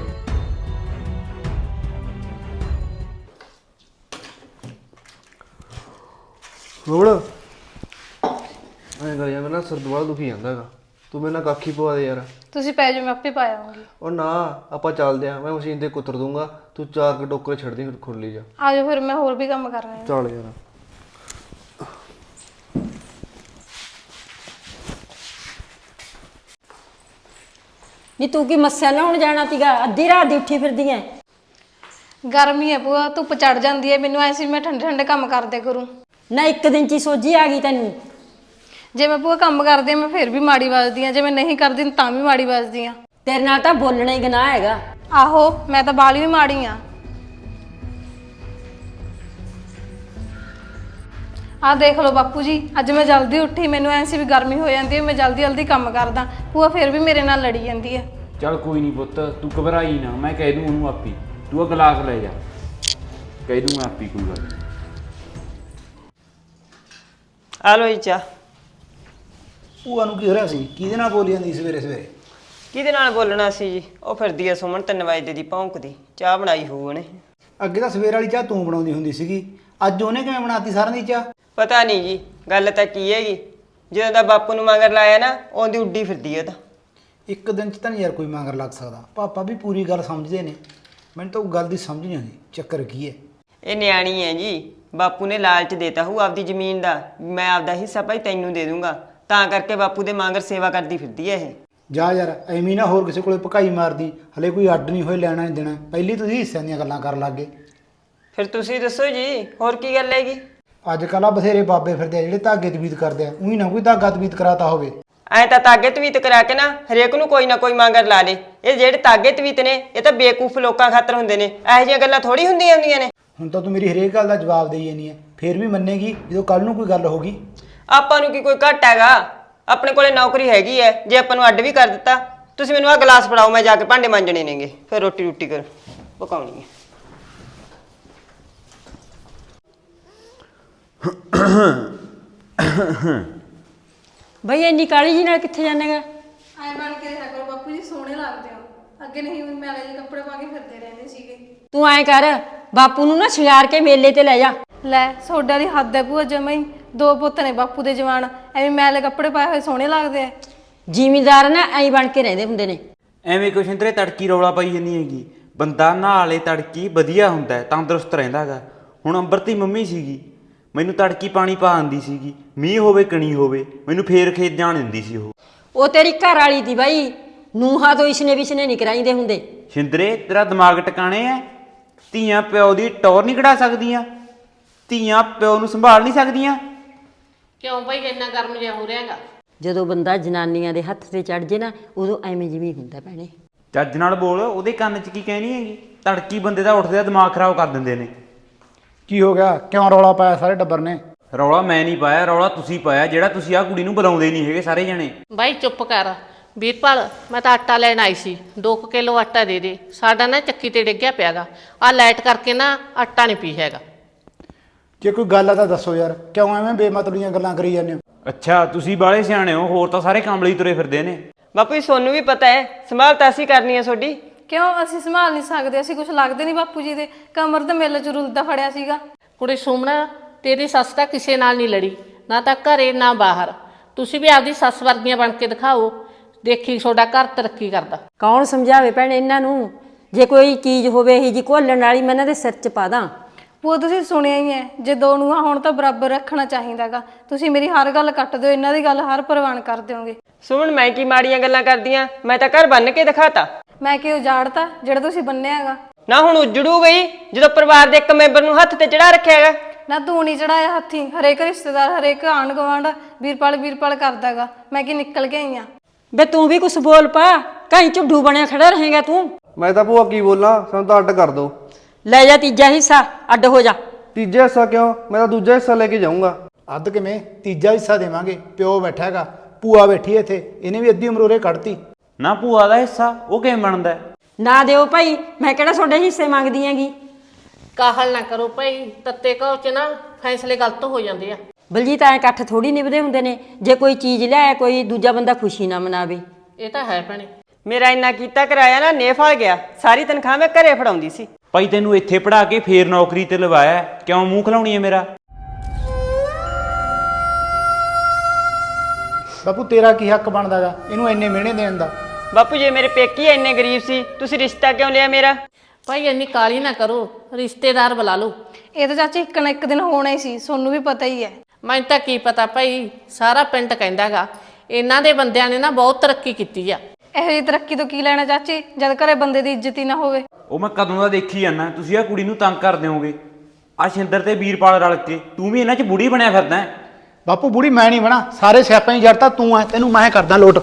Speaker 2: ਰੋੜ ਐਂ ਕਰ ਯਾਰ, ਮੇਰਾ ਸਿਰ ਦੁਬਾਰਾ ਦੁਖੀ ਜਾਂਦਾ ਹੈਗਾ, ਤੂੰ ਮੇਰੇ ਨਾਲ ਕਾਖੀ ਪਵਾ ਦੇ ਯਾਰ।
Speaker 1: ਤੁਸੀਂ ਪੈ ਜਾਓ, ਮੈਂ ਆਪੇ ਪਾ ਆਵਾਂਗੀ।
Speaker 2: ਉਹ ਨਾ ਆਪਾਂ ਚੱਲਦੇ ਆ, ਮੈਂ ਮਸ਼ੀਨ ਤੇ ਕੁੱਤਰ ਦੂੰਗਾ, ਤੂੰ ਚਾਰ ਕੇ ਟੋਕਰੇ ਛੱਡ ਦੀ ਖੁਰਲੀ ਜਾ।
Speaker 1: ਆ ਜਾਓ ਫਿਰ, ਮੈਂ ਹੋਰ ਵੀ ਕੰਮ ਕਰਨਾ ਹੈ।
Speaker 2: ਚੱਲ ਯਾਰ।
Speaker 5: ਨੀ ਤੂੰ ਕੀ ਮੱਸਿਆ ਨਾ ਹੁਣ ਜਾਣਾ ਤੀਗਾ, ਅੱਧੀ ਰਾਤ ਦੀ ਉੱਠੀ ਫਿਰਦੀ ਐ।
Speaker 1: ਗਰਮੀ ਹੈ ਭੂਆ, ਧੁੱਪ ਚੜ ਜਾਂਦੀ ਹੈ, ਮੈਨੂੰ ਐਸੀ ਮੈਂ ਠੰਡੇ ਠੰਡੇ ਕੰਮ ਕਰਦੇ ਕਰੂੰ।
Speaker 5: ਨਾ ਇੱਕ ਦਿਨ ਚ ਹੀ ਸੋਝੀ ਆ ਗਈ ਤੈਨੂੰ।
Speaker 1: ਜੇ ਮੈਂ ਭੂਆ ਕੰਮ ਕਰਦੀ ਹਾਂ ਮੈਂ ਫਿਰ ਵੀ ਮਾੜੀ ਵੱਜਦੀ ਹਾਂ, ਜੇ ਮੈਂ ਨਹੀਂ ਕਰਦੀ ਤਾਂ ਵੀ ਮਾੜੀ ਵੱਜਦੀ ਹਾਂ।
Speaker 5: ਤੇਰੇ ਨਾਲ ਤਾਂ ਬੋਲਣਾ ਹੀ ਗੁਨਾਹ ਹੈਗਾ।
Speaker 1: ਆਹੋ, ਮੈਂ ਤਾਂ ਬਾਲੀ ਵੀ ਮਾੜੀ ਆ। ਆ ਦੇਖ ਲਓ ਬਾਪੂ ਜੀ, ਅੱਜ ਮੈਂ ਜਲਦੀ ਉੱਠੀ, ਮੈਨੂੰ ਐਸੀ ਵੀ ਗਰਮੀ ਹੋ ਜਾਂਦੀ ਹੈ, ਮੈਂ ਜਲਦੀ ਜਲਦੀ ਕੰਮ ਕਰਦਾ, ਭੂਆ ਫਿਰ ਵੀ ਮੇਰੇ ਨਾਲ ਲੜੀ ਜਾਂਦੀ ਹੈ।
Speaker 3: ਚੱਲ ਕੋਈ ਨਹੀਂ ਪੁੱਤ, ਤੂੰ ਘਬਰਾਈ ਨਾ, ਮੈਂ ਕਹਿ ਦੂੰ ਉਹਨੂੰ ਆਪੀ, ਤੂੰ ਉਹ ਗਲਾਸ ਲੈ ਜਾ, ਕਹਿ ਦੂੰ ਮੈਂ ਆਪੀ, ਕੋਈ ਗੱਲ ਨਹੀਂ।
Speaker 6: ਆ ਲੋ ਜੀ ਚਾਹ।
Speaker 4: ਭੂਆ ਨੂੰ ਕੀ ਹੋ ਰਿਹਾ ਸੀ? ਕਿਹਦੇ ਨਾਲ ਬੋਲੀ ਜਾਂਦੀ ਸਵੇਰੇ ਸਵੇਰੇ?
Speaker 6: ਕਿਹਦੇ ਨਾਲ ਬੋਲਣਾ ਸੀ ਜੀ, ਉਹ ਫਿਰਦੀ ਆ ਸੁਮਨ ਤਿੰਨ ਵਜੇ ਦੀ ਭੌਂਕਦੀ। ਚਾਹ ਬਣਾਈ ਹੋਊ ਉਹਨੇ।
Speaker 4: ਅੱਗੇ ਤਾਂ ਸਵੇਰ ਵਾਲੀ ਚਾਹ ਤੂੰ ਬਣਾਉਂਦੀ ਹੁੰਦੀ ਸੀਗੀ, ਅੱਜ ਉਹਨੇ ਕਿਵੇਂ ਬਣਾਤੀ ਸਾਰਿਆਂ ਦੀ ਚਾਹ?
Speaker 6: ਪਤਾ ਨਹੀਂ ਜੀ, ਗੱਲ ਤਾਂ ਕੀ ਹੈਗੀ, ਜਦੋਂ ਦਾ ਬਾਪੂ ਨੂੰ ਮਗਰ ਲਾਇਆ ਨਾ, ਉਹਦੀ ਉੱਡੀ ਫਿਰਦੀ ਆ ਤਾਂ।
Speaker 4: ਇੱਕ ਦਿਨ ਚ ਤਾਂ ਨਹੀਂ ਯਾਰ ਕੋਈ ਮਗਰ ਲੱਗ ਸਕਦਾ, ਪਾਪਾ ਵੀ ਪੂਰੀ ਗੱਲ ਸਮਝਦੇ ਨੇ, ਮੈਨੂੰ ਤਾਂ ਉਹ ਗੱਲ ਦੀ ਸਮਝ ਨਹੀਂ ਆਉਂਦੀ ਚੱਕਰ ਕੀ ਹੈ।
Speaker 6: ਇਹ ਨਿਆਣੀ ਹੈ ਜੀ, ਬਾਪੂ ਨੇ ਲਾਲਚ ਦੇਤਾ ਹੋਊ ਆਪਦੀ ਜ਼ਮੀਨ ਦਾ, ਮੈਂ ਆਪਦਾ ਹਿੱਸਾ ਭਾਈ ਤੈਨੂੰ ਦੇ ਦੂੰਗਾ, ਤਾਂ ਕਰਕੇ ਬਾਪੂ ਦੇ ਮਗਰ ਸੇਵਾ ਕਰਦੀ ਫਿਰਦੀ ਹੈ ਇਹ।
Speaker 4: ਜਾ ਯਾਰ ਐਵੇਂ ਨਾ ਹੋਰ ਕਿਸੇ ਕੋਲੇ ਭਕਾਈ ਮਾਰਦੀ, ਹਲੇ ਕੋਈ ਅੱਡ ਨਹੀਂ ਹੋਏ ਲੈਣਾ ਨਹੀਂ ਦੇਣਾ, ਪਹਿਲੀ ਤੁਸੀਂ ਹਿੱਸਿਆਂ ਦੀਆਂ ਗੱਲਾਂ ਕਰਨ ਲੱਗ ਗਏ।
Speaker 6: ਫਿਰ ਤੁਸੀਂ ਦੱਸੋ ਜੀ, ਹੋਰ ਕੀ ਗੱਲ ਹੈਗੀ?
Speaker 4: ਅੱਜ ਕੱਲ੍ਹ ਆ ਬਥੇਰੇ ਬਾਬੇ ਫਿਰਦੇ ਆ ਜਿਹੜੇ ਧਾਗੇ ਤਵੀਤ ਕਰਦੇ ਆ, ਉਹੀ ਨਾ ਕੋਈ ਧਾਗਾ ਤਵੀਤ ਕਰਾਤਾ ਹੋਵੇ।
Speaker 6: ਐ ਤਾਂ ਤਾਗੇ ਤਵੀਤ ਕਰਾ ਕੇ ਨਾ ਹਰੇਕ ਨੂੰ ਕੋਈ ਨਾ ਕੋਈ ਮੰਗਰ ਲਾ ਲੇ। ਇਹ ਜਿਹੜੇ ਤਾਗੇ ਤਵੀਤ ਨੇ ਇਹ ਤਾਂ ਬੇਕੂਫ ਲੋਕਾਂ ਖਾਤਰ ਹੁੰਦੇ ਨੇ, ਇਹੋ ਜਿਹੀਆਂ ਗੱਲਾਂ ਥੋੜੀ ਹੁੰਦੀਆਂ ਹੁੰਦੀਆਂ ਨੇ।
Speaker 4: ਹੁਣ ਤਾਂ ਤੂੰ ਮੇਰੀ ਹਰੇਕ ਗੱਲ ਦਾ ਜਵਾਬ ਦੇਈ ਜਾਨੀ ਹੈ, ਫੇਰ ਵੀ ਮੰਨੇਗੀ ਜਦੋਂ ਕੱਲ ਨੂੰ ਕੋਈ ਗੱਲ ਹੋਗੀ।
Speaker 6: ਆਪਾਂ ਨੂੰ ਕੀ ਕੋਈ ਘੱਟ ਹੈਗਾ, ਆਪਣੇ ਕੋਲੇ ਨੌਕਰੀ ਹੈਗੀ ਐ। ਜੇ ਆਪਾਂ ਨੂੰ ਅੱਡ ਵੀ ਕਰ ਦਿੱਤਾ, ਤੁਸੀਂ ਮੈਨੂੰ ਆਹ ਗਲਾਸ ਫੜਾਓ, ਮੈਂ ਜਾ ਕੇ ਭਾਂਡੇ ਮਾਂਜਣੇ ਨੇਗੇ, ਫਿਰ ਰੋਟੀ ਰੋਟੀ ਕਰ ਪਕਾਉਣੀ ਹੈ।
Speaker 5: ਬਈ ਇੰਨੀ ਕਾਲੀ ਜੀ ਨਾਲ ਕਿੱਥੇ ਜਾਣੇਗਾ?
Speaker 1: ਐ ਬਣ ਕੇ ਰਿਹਾ ਕਰੋ ਬਾਪੂ ਜੀ, ਸੋਹਣੇ ਲੱਗਦੇ ਹੋ। ਅੱਗੇ ਨਹੀਂ ਮੈਲੇ ਜਿਹੇ ਕੱਪੜੇ ਪਾ ਕੇ ਫਿਰਦੇ ਰਹਿੰਦੇ ਸੀਗੇ।
Speaker 5: ਤੂੰ ਐਂ ਕਰ, ਬਾਪੂ ਨੂੰ ਨਾ ਸ਼ਿੰਗਾਰ ਕੇ ਮੇਲੇ ਤੇ ਲੈ ਜਾ।
Speaker 1: ਲੈ ਸੋਡਾ ਦੀ ਹੱਦ ਹੈ ਭੂਆ ਜਮਾਂ ਹੀ। ਦੋ ਪੁੱਤ ਨੇ ਬਾਪੂ ਦੇ ਜਵਾਨ, ਐਵੇਂ ਮੈਲੇ ਕੱਪੜੇ ਪਾਏ ਹੋਏ ਸੋਹਣੇ ਲੱਗਦੇ ਆ।
Speaker 5: ਜ਼ਿਮੀਂਦਾਰ ਨਾ ਐਂ ਬਣ ਕੇ ਰਹਿੰਦੇ ਹੁੰਦੇ ਨੇ।
Speaker 3: ਐਵੇਂ ਕੁਛ ਇੰਦਰੇ ਤੜਕੀ ਰੌਲਾ ਪਾਈ ਜਾਂਦੀ ਹੈਗੀ। ਬੰਦਾ ਨਹਾ ਲੇ ਤੜਕੀ ਵਧੀਆ ਹੁੰਦਾ ਹੈ, ਤੰਦਰੁਸਤ ਰਹਿੰਦਾ ਹੈਗਾ। ਹੁਣ ਅੰਬਰ ਦੀ ਮੰਮੀ ਸੀਗੀ, ਮੈਨੂੰ ਤੜਕੀ ਪਾਣੀ ਪਾ ਆਂਦੀ ਸੀਗੀ, ਮੀਂਹ ਹੋਵੇ ਕਣੀ ਹੋਵੇ, ਮੈਨੂੰ ਫੇਰ ਖੇਤ ਜਾਣ ਦਿੰਦੀ ਸੀ ਉਹ।
Speaker 5: ਉਹ ਤੇਰੀ ਘਰ ਵਾਲੀ ਦੀ ਬਾਈ, ਨੂੰਹਾਂ ਤੋਂ ਇਸਨੇ ਵਿਸਨੇ ਨਹੀਂ ਕਰਾਈਦੇ ਹੁੰਦੇ।
Speaker 3: ਸ਼ਿੰਦਰੇ ਤੇਰਾ ਦਿਮਾਗ ਟਿਕਾਣੇ ਐ? ਧੀਆਂ ਪਿਓ ਦੀ ਟੌਰ ਨਹੀਂ ਕਢਾ ਸਕਦੀਆਂ? ਧੀਆਂ ਪਿਓ ਨੂੰ ਸੰਭਾਲ ਨਹੀਂ ਸਕਦੀਆਂ?
Speaker 7: ਕਿਉਂ ਭਾਈ ਇੰਨਾ ਗਰਮ ਜਿਹਾ ਹੋ ਰਿਹਾਗਾ?
Speaker 5: ਜਦੋਂ ਬੰਦਾ ਜਨਾਨੀਆਂ ਦੇ ਹੱਥ ਤੇ ਚੜ ਜੇ ਨਾ, ਉਦੋਂ ਐਵੇਂ ਜਿਵੇਂ ਹੁੰਦਾ ਭੈਣੇ।
Speaker 3: ਚੱਜ ਨਾਲ ਬੋਲ, ਉਹਦੇ ਕੰਨ 'ਚ ਕੀ ਕਹਿਣੀ ਹੈਗੀ? ਤੜਕੀ ਬੰਦੇ ਦਾ ਉੱਠਦੇ ਦਿਮਾਗ ਖਰਾਬ ਕਰ ਦਿੰਦੇ ਨੇ।
Speaker 4: ਕੀ ਹੋ ਗਿਆ? ਕਿਉਂ ਰੌਲਾ ਪਾਇਆ ਸਾਰੇ ਟੱਬਰ ਨੇ?
Speaker 3: ਰੌਲਾ ਮੈਂ ਨਹੀਂ ਪਾਇਆ, ਰੌਲਾ ਤੁਸੀਂ ਪਾਇਆ, ਜਿਹੜਾ ਤੁਸੀਂ ਆਹ ਕੁੜੀ ਨੂੰ ਬੁਲਾਉਂਦੇ ਨਹੀਂ ਹੈਗੇ ਸਾਰੇ ਜਣੇ।
Speaker 7: ਬਾਈ ਚੁੱਪ ਕਰ। ਵੀਰਪਾਲ ਮੈਂ ਤਾਂ ਆਟਾ ਲੈਣ ਆਈ ਸੀ, ਦੋ ਕੁ ਕਿਲੋ ਆਟਾ ਦੇ ਦੇ। ਸਾਡਾ ਨਾ ਚੱਕੀ ਤੇ ਡਿੱਗਿਆ ਪਿਆਗਾ, ਆਹ ਲਾਈਟ ਕਰਕੇ ਨਾ ਆਟਾ ਨਹੀਂ ਪੀ ਹੈਗਾ।
Speaker 4: ਜੇ ਕੋਈ ਗੱਲ ਆ ਤਾਂ ਦੱਸੋ ਯਾਰ, ਕਿਉਂ ਐਵੇਂ ਬੇਮਤਲਬ ਦੀਆਂ ਗੱਲਾਂ ਕਰੀ ਜਾਂਦੇ ਹੋ?
Speaker 3: ਅੱਛਾ ਤੁਸੀਂ ਬਾਲੇ ਸਿਆਣੇ ਹੋ, ਹੋਰ ਤਾਂ ਸਾਰੇ ਕਾਮਲੇ ਹੀ ਤੁਰੇ ਫਿਰਦੇ ਨੇ।
Speaker 6: ਬਾਪੂ ਜੀ ਸੋਨੂੰ ਵੀ ਪਤਾ ਹੈ, ਸੰਭਾਲ ਤਾਂ ਅਸੀਂ ਕਰਨੀ ਹੈ ਤੁਹਾਡੀ।
Speaker 1: ਕਿਉਂ ਅਸੀਂ ਸੰਭਾਲ ਨਹੀਂ ਸਕਦੇ? ਅਸੀਂ ਕੁਝ ਲੱਗਦੇ ਨਹੀਂ ਬਾਪੂ ਜੀ ਦੇ। ਕਮਰ ਤੇ ਮੇਲੇ ਚ ਰੁਲਦਾ ਫੜਿਆ ਸੀਗਾ।
Speaker 7: ਕੁੜੀ ਸੁਮਣਾ, ਤੇਰੀ ਸੱਸ ਤਾਂ ਕਿਸੇ ਨਾਲ ਨਹੀਂ ਲੜੀ, ਨਾ ਤਾਂ ਘਰੇ ਨਾ ਬਾਹਰ। ਤੁਸੀਂ ਵੀ ਆਪਦੀ ਸੱਸ ਵਰਗੀਆਂ ਬਣ ਕੇ ਦਿਖਾਓ, ਦੇਖੀ ਤੁਹਾਡਾ ਘਰ ਤਰੱਕੀ ਕਰਦਾ।
Speaker 5: ਕੌਣ ਸਮਝਾਵੇ ਭੈਣੇ ਇਹਨਾਂ ਨੂੰ? ਜੇ ਕੋਈ ਚੀਜ਼ ਹੋਵੇ ਇਹ ਜੀ ਘੋਲਣ ਵਾਲੀ, ਮੈਂ ਇਹਨਾਂ ਦੇ ਸਿਰ 'ਚ ਪਾ ਦਾਂ।
Speaker 1: ਉਹ ਤੁਸੀਂ ਸੁਣਿਆ ਹੀ ਹੈ, ਜੇ ਦੋ ਨੂੰਹਾਂ ਹੋਣ ਤਾਂ ਬਰਾਬਰ ਰੱਖਣਾ ਚਾਹੀਦਾਗਾ। ਤੁਸੀਂ ਮੇਰੀ ਹਰ ਗੱਲ ਕੱਟ ਦਿਓ, ਇਹਨਾਂ ਦੀ ਗੱਲ ਹਰ ਪ੍ਰਵਾਨ ਕਰ ਦਿਓਗੇ।
Speaker 6: ਸੁਮਨ ਮੈਂ ਕੀ ਮਾੜੀਆਂ ਗੱਲਾਂ ਕਰਦੀਆਂ? ਮੈਂ ਤਾਂ ਘਰ ਬੰਨ ਕੇ ਦਿਖਾਤਾ।
Speaker 1: ਮੈਂ ਕਿ ਉਜਾੜਤਾ ਜਿਹੜਾ ਤੁਸੀਂ ਬੰਨਿਆ ਹੈਗਾ?
Speaker 6: ਨਾ ਹੁਣ ਉਜੜੂ ਗਈ ਜਦੋਂ ਪਰਿਵਾਰ ਦੇ ਇੱਕ ਮੈਂਬਰ ਨੂੰ ਹੱਥ ਤੇ ਚੜਾ ਰੱਖਿਆ ਹੈਗਾ।
Speaker 1: ਨਾ ਤੂੰ ਨਹੀਂ ਚੜਾਇਆ ਹੱਥੀ, ਹਰੇਕ ਰਿਸ਼ਤੇਦਾਰ ਹਰੇਕ ਆਂਢ ਗੁਆਂਢ ਵੀਰਪਾਲ ਵੀਰਪਾਲ ਕਰਦਾਗਾ। ਮੈਂ ਕਿ ਨਿਕਲ ਕੇ ਆਈ ਆ।
Speaker 5: ਬੇ ਤੂੰ ਵੀ ਕੁਛ ਬੋਲ ਪਾ, ਕਹੀਂ ਝੁੱਡੂ ਬਣਿਆ ਖੜਾ ਰਹੇਗਾ ਤੂੰ।
Speaker 2: ਮੈਂ ਤਾਂ ਭੂਆ ਕੀ ਬੋਲਾਂ, ਸਾਨੂੰ ਤਾਂ ਅੱਡ ਕਰ ਦੋ।
Speaker 5: ਲੈ ਜਾ ਤੀਜਾ ਹਿੱਸਾ, ਅੱਡ ਹੋ ਜਾ।
Speaker 2: ਤੀਜਾ ਹਿੱਸਾ ਕਿਉਂ? ਮੈਂ ਤਾਂ ਦੂਜਾ ਹਿੱਸਾ ਲੈ ਕੇ ਜਾਊਂਗਾ।
Speaker 4: ਅੱਧ ਕਿਵੇਂ? ਤੀਜਾ ਹਿੱਸਾ ਦੇਵਾਂਗੇ। ਪਿਓ ਬੈਠਾ ਹੈਗਾ, ਭੂਆ ਬੈਠੀ ਇੱਥੇ, ਇਹਨੇ ਵੀ ਅੱਧੀ ਉਮਰ ਉਰੇ ਕੱਢਤੀ।
Speaker 3: ਨਾ ਭੂਆ ਦਾ ਹਿੱਸਾ ਉਹ ਕਿਵੇਂ ਬਣਦਾ ਹੈ?
Speaker 5: ਨਾ ਦਿਓ ਭਾਈ, ਮੈਂ ਕਿਹੜਾ ਤੁਹਾਡੇ ਹਿੱਸੇ ਮੰਗਦੀ ਹੈਗੀ।
Speaker 7: ਕਾਹਲ ਨਾ ਕਰੋ ਭਾਈ, ਤੱਤੇ ਘਾਉ 'ਚ ਨਾ ਫੈਸਲੇ ਗਲਤ ਹੋ ਜਾਂਦੇ ਆ।
Speaker 5: ਬਲਜੀਤ ਐਂ ਇਕੱਠ ਥੋੜੀ ਨਿਭਦੇ ਹੁੰਦੇ ਨੇ। ਜੇ ਕੋਈ ਚੀਜ਼ ਲਿਆਇਆ, ਕੋਈ ਦੂਜਾ ਬੰਦਾ ਖੁਸ਼ੀ ਨਾ ਮਨਾਵੇ।
Speaker 7: ਇਹ ਤਾਂ ਹੈ ਭੈਣੇ।
Speaker 6: ਮੇਰਾ ਇੰਨਾ ਕੀਤਾ ਕਰਾਇਆ ਨਾ ਨੇਫਲ ਗਿਆ, ਸਾਰੀ ਤਨਖਾਹ ਮੈਂ ਘਰੇ ਫੜਾਉਂਦੀ ਸੀ।
Speaker 3: ਭਾਈ ਤੈਨੂੰ ਇੱਥੇ ਪੜਾ ਕੇ ਫੇਰ ਨੌਕਰੀ ਤੇ ਲਵਾਇਆ, ਕਿਉਂ ਮੂੰਹ ਖਲਾਉਣੀ ਹੈ ਮੇਰਾ?
Speaker 4: ਬਾਪੂ ਤੇਰਾ ਕੀ ਹੱਕ ਬਣਦਾਗਾ ਇਹਨੂੰ ਇੰਨੇ ਮਿਹਣੇ ਦੇਣ ਦਾ?
Speaker 6: ਬਾਪੂ ਜੇ ਮੇਰੇ ਪੇਕੀ ਇੰਨੇ ਗਰੀਬ ਸੀ, ਤੁਸੀਂ ਰਿਸ਼ਤਾ ਕਿਉਂ ਲਿਆ ਮੇਰਾ?
Speaker 7: ਭਾਈ ਇੰਨੀ ਕਾਲੀ ਨਾ ਕਰੋ, ਰਿਸ਼ਤੇਦਾਰ ਬੁਲਾ ਲਓ।
Speaker 1: ਇਹ ਤਾਂ ਚਾਚੀ ਇੱਕ ਨਾ ਇੱਕ ਦਿਨ ਹੋਣਾ ਹੀ ਸੀ, ਸੋਨੂੰ ਵੀ ਪਤਾ ਹੀ ਹੈ।
Speaker 7: ਮੈਨੂੰ ਤਾਂ ਕੀ ਪਤਾ ਭਾਈ, ਸਾਰਾ ਪਿੰਡ ਕਹਿੰਦਾਗਾ ਇਹਨਾਂ ਦੇ ਬੰਦਿਆਂ ਨੇ ਨਾ ਬਹੁਤ ਤਰੱਕੀ ਕੀਤੀ ਆ।
Speaker 1: ਇਹੋ ਜਿਹੀ ਤਰੱਕੀ ਤੋਂ ਕੀ ਲੈਣਾ ਚਾਚੀ, ਜਦ ਘਰੇ ਬੰਦੇ ਦੀ ਇੱਜ਼ਤ ਹੀ ਨਾ ਹੋਵੇ।
Speaker 3: ਉਹ ਮੈਂ ਕਦੋਂ ਦਾ ਦੇਖੀ ਜਾਂਦਾ, ਤੁਸੀਂ ਆ ਕੁੜੀ ਨੂੰ ਤੰਗ ਕਰ ਦਿਓਗੇ। ਆ ਸ਼ਿੰਦਰ ਤੇ ਵੀਰਪਾਲ ਰਲ ਕੇ ਤੂੰ ਵੀ ਇਹਨਾਂ 'ਚ ਬੁੜੀ ਬਣਿਆ ਫਿਰਦਾ ਹੈ।
Speaker 4: ਬਾਪੂ ਬੁੜੀ ਮੈਂ ਨਹੀਂ ਬਣਾ, ਸਾਰੇ ਸਿਆਪਾਂ ਹੀ ਜੜਤਾ ਤੂੰ ਐ, ਤੈਨੂੰ ਮੈਂ ਕਰਦਾ ਲੋਟ।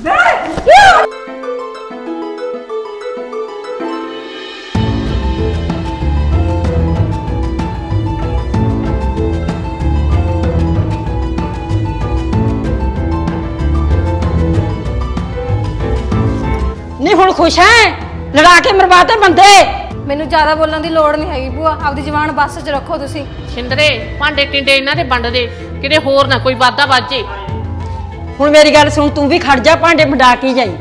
Speaker 5: ਨਹੀਂ ਹੁਣ ਖੁਸ਼ ਹੈ? ਲੜਾ ਕੇ ਮਰਵਾਤੇ ਬੰਦੇ।
Speaker 1: ਮੈਨੂੰ ਜ਼ਿਆਦਾ ਬੋਲਣ ਦੀ ਲੋੜ ਨਹੀਂ ਹੈਗੀ ਭੂਆ, ਆਪਦੀ ਜ਼ੁਬਾਨ ਬੱਸ 'ਚ ਰੱਖੋ ਤੁਸੀਂ।
Speaker 7: ਛਿੰਦਰੇ ਭਾਂਡੇ ਟਿੰਡੇ ਇਹਨਾਂ ਦੇ ਵੰਡ ਦੇ, ਕਿਤੇ ਹੋਰ ਨਾ ਕੋਈ ਵਾਧਾ ਵਾਜੇ।
Speaker 5: ਹੁਣ ਮੇਰੀ ਗੱਲ ਸੁਣ, ਤੂੰ ਵੀ ਖੜ ਜਾ, ਭਾਂਡੇ ਵੰਡਾ ਕੇ ਜਾਈ।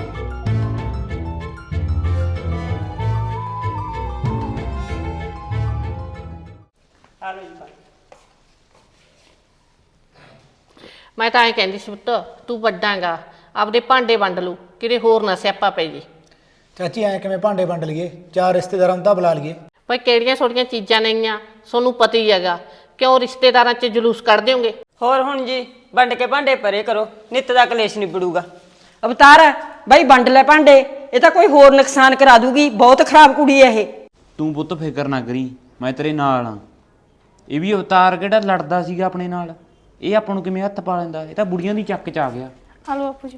Speaker 7: ਮੈਂ ਤਾਂ ਐਂ ਕਹਿੰਦੀ ਸੀ ਪੁੱਤ, ਤੂੰ ਵੱਡਾਂਗਾ, ਆਪਦੇ ਭਾਂਡੇ ਵੰਡ ਲੂ, ਕਿਤੇ ਹੋਰ ਨਾ ਸਿਆਪਾ ਪੈ ਜੇ।
Speaker 4: ਚਾਚੀ ਐ ਕਿਵੇਂ ਭਾਂਡੇ ਵੰਡ ਲਈਏ? ਚਾਰ ਰਿਸ਼ਤੇਦਾਰਾਂ ਨੂੰ ਤਾਂ ਬੁਲਾ ਲਈਏ।
Speaker 7: ਭਾਈ ਕਿਹੜੀਆਂ ਛੋਟੀਆਂ ਚੀਜ਼ਾਂ ਨਹੀਂਆਂ, ਤੁਹਾਨੂੰ ਪਤਾ ਹੀ ਹੈਗਾ। ਕਿਉਂ ਰਿਸ਼ਤੇਦਾਰਾਂ 'ਚ ਜਲੂਸ ਕੱਢ ਦਿਓਗੇ?
Speaker 6: ਹੋਰ ਹੁਣ ਜੀ ਵੰਡ ਕੇ ਭਾਂਡੇ ਪਰੇ ਕਰੋ, ਨਿੱਤ ਦਾ ਕਲੇਸ਼ ਨਿਬੜੂਗਾ।
Speaker 5: ਅਵਤਾਰ ਬਾਈ ਵੰਡ ਲੈ ਭਾਂਡੇ, ਇਹ ਤਾਂ ਕੋਈ ਹੋਰ ਨੁਕਸਾਨ ਕਰਾ ਦੂਗੀ। ਬਹੁਤ ਖਰਾਬ ਕੁੜੀ ਹੈ ਇਹ।
Speaker 3: ਤੂੰ ਪੁੱਤ ਫਿਕਰ ਨਾ ਕਰੀ, ਮੈਂ ਤੇਰੇ ਨਾਲ ਆ। ਇਹ ਵੀ ਅਵਤਾਰ ਕਿਹੜਾ ਲੜਦਾ ਸੀਗਾ ਆਪਣੇ ਨਾਲ, ਇਹ ਆਪਾਂ ਨੂੰ ਕਿਵੇਂ ਹੱਥ ਪਾ ਲੈਂਦਾ? ਇਹ ਤਾਂ ਬੁੜੀਆਂ ਦੀ ਚੱਕ 'ਚ ਆ ਗਿਆ।
Speaker 1: ਆ ਲਓ ਬਾਪੂ ਜੀ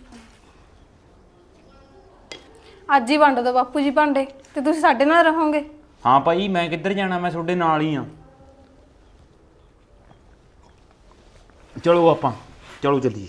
Speaker 1: ਅੱਜ ਹੀ ਵੰਡ ਦਿਓ ਬਾਪੂ ਜੀ ਭਾਂਡੇ, ਤੇ ਤੁਸੀਂ ਸਾਡੇ ਨਾਲ ਰਹੋਗੇ।
Speaker 3: ਹਾਂ ਭਾਈ, ਮੈਂ ਕਿੱਧਰ ਜਾਣਾ, ਮੈਂ ਤੁਹਾਡੇ ਨਾਲ ਹੀ ਆ। ਚਲੋ ਆਪਾਂ ਚਲੋ ਚੱਲੀਏ।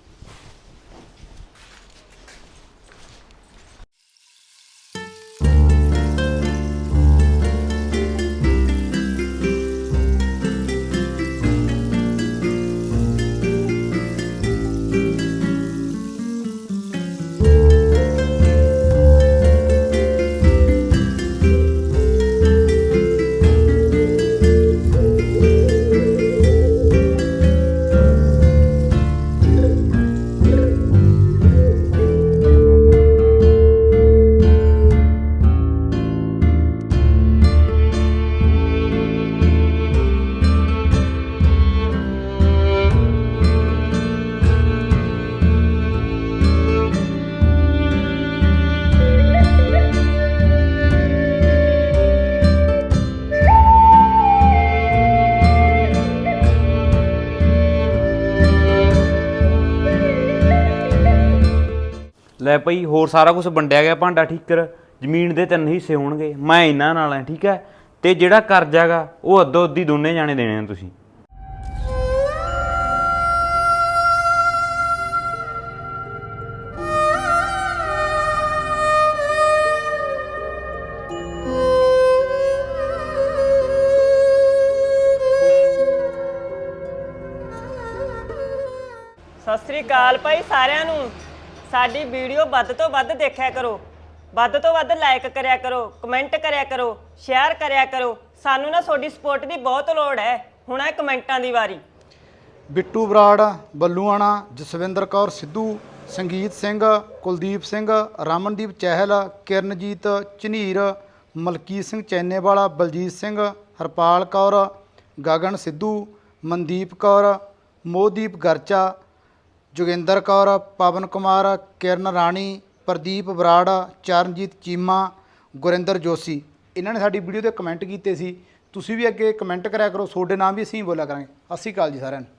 Speaker 3: ਲੈ ਭਾਈ, ਹੋਰ ਸਾਰਾ ਕੁਝ ਵੰਡਿਆ ਗਿਆ, ਭਾਂਡਾ ਠੀਕਰ, ਜ਼ਮੀਨ ਦੇ ਤਿੰਨ ਹਿੱਸੇ ਹੋਣਗੇ, ਮੈਂ ਇਹਨਾਂ ਨਾਲ ਆ, ਠੀਕ ਹੈ। ਤੇ ਜਿਹੜਾ ਕਰਜ਼ਾ ਗਾ ਉਹ ਅੱਧੋ ਅੱਧੀ ਦੋਨੇ ਜਾਣੇ ਦੇਣੇ ਆ ਤੁਸੀਂ।
Speaker 6: ਸਤਿ ਸ੍ਰੀ ਅਕਾਲ ਭਾਈ ਸਾਰਿਆਂ ਨੂੰ। ਸਾਡੀ ਵੀਡੀਓ ਵੱਧ ਤੋਂ ਵੱਧ ਦੇਖਿਆ ਕਰੋ, ਵੱਧ ਤੋਂ ਵੱਧ ਲਾਈਕ ਕਰਿਆ ਕਰੋ, ਕਮੈਂਟ ਕਰਿਆ ਕਰੋ, ਸ਼ੇਅਰ ਕਰਿਆ ਕਰੋ। ਸਾਨੂੰ ਨਾ ਤੁਹਾਡੀ ਸਪੋਰਟ ਦੀ ਬਹੁਤ ਲੋੜ ਹੈ। ਹੁਣ ਹੈ ਕਮੈਂਟਾਂ ਦੀ ਵਾਰੀ।
Speaker 4: ਬਿੱਟੂ ਬਰਾੜ, ਬੱਲੂਆਣਾ, ਜਸਵਿੰਦਰ ਕੌਰ ਸਿੱਧੂ, ਸੰਗੀਤ ਸਿੰਘ, ਕੁਲਦੀਪ ਸਿੰਘ, ਰਮਨਦੀਪ ਚਹਿਲ, ਕਿਰਨਜੀਤ ਝਨੀਰ, ਮਲਕੀਤ ਸਿੰਘ ਚੈਨੇਵਾਲਾ, ਬਲਜੀਤ ਸਿੰਘ, ਹਰਪਾਲ ਕੌਰ, ਗਗਨ ਸਿੱਧੂ, ਮਨਦੀਪ ਕੌਰ, ਮੋਹਦੀਪ ਗਰਚਾ, ਜੋਗਿੰਦਰ ਕੌਰ, ਪਵਨ ਕੁਮਾਰ, ਕਿਰਨ ਰਾਣੀ, ਪ੍ਰਦੀਪ ਬਰਾੜ, ਚਰਨਜੀਤ ਚੀਮਾ, ਗੁਰਿੰਦਰ ਜੋਸ਼ੀ, ਇਹਨਾਂ ਨੇ ਸਾਡੀ ਵੀਡੀਓ ਤੇ ਕਮੈਂਟ ਕੀਤੇ ਸੀ। ਤੁਸੀਂ ਵੀ ਅੱਗੇ ਕਮੈਂਟ ਕਰਿਆ ਕਰੋ, ਤੁਹਾਡੇ ਨਾਮ ਵੀ ਅਸੀਂ ਬੋਲਿਆ ਕਰਾਂਗੇ। ਸਤਿ ਸ਼੍ਰੀ ਅਕਾਲ ਜੀ ਸਾਰਿਆਂ ਨੂੰ।